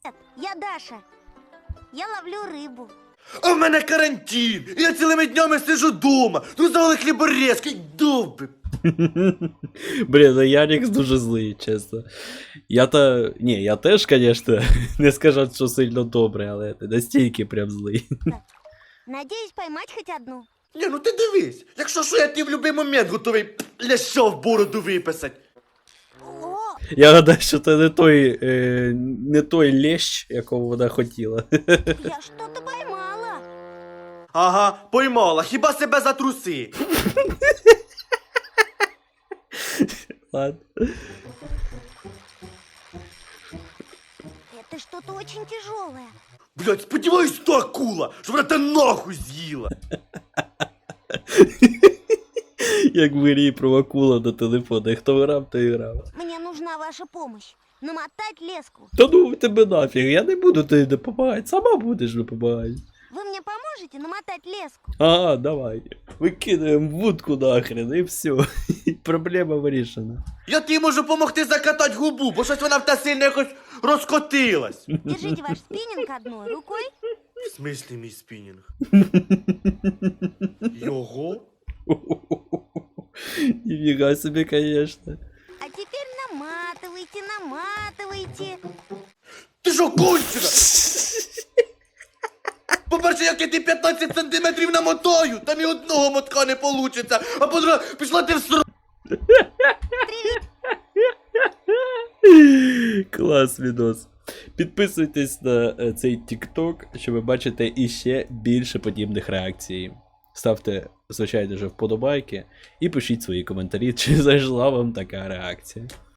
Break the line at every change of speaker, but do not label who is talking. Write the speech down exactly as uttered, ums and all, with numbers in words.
Привет, я Даша. Я ловлю рыбу.
А в мене карантин! І я цілими днями сижу дома. Ну завали хліборезки, довби.
Блін, ну Ярік дуже злий, чесно. Я та. Ні, я теж, звісно, не скажу, що сильно добре, але ти настільки прям злий.
Надеюсь поймать хоть одну.
Ні, ну ти дивись, якщо що, я ти в будь-який момент готовий ляща в бороду виписати.
О,
Я гадаю, що це не той, е, не той лещ, якого вона хотіла.
я что-то поймала.
Ага, поймала, хіба себе за труси.
Ладно.
Это что-то очень тяжелое.
Блять, сподіваюсь, то акула, що вона те нахуй з'їла.
Як в грі про акула на телефоні. Хто грав, той грав.
Мне нужна ваша помощь. Намотать леску.
Та ну тебе нафіг, я не буду тобі допомагати, сама будеш допомагати.
Вы мне поможете намотать леску?
А, давай. Викидаємо вудку нахрен і все. Проблема вирішена.
Я тобі можу допомогти закатати губу, бо щось вона в те сильно якось розкотилась.
Держите ваш спиннинг одной рукой.
В смислі мій спінінг? Його?
Ніфіга собі, конечно.
А теперь наматывайте, наматывайте.
Ти що, кончена? По-перше, як я ти п'ятнадцять сантиметрів намотаю, там і одного мотка не получиться, а по-друге, пішла ти в ср...
Клас, відос. Підписуйтесь на е, цей TikTok, щоб бачити іще більше подібних реакцій. Ставте, звичайно ж, вподобайки і пишіть свої коментарі, чи зайшла вам така реакція.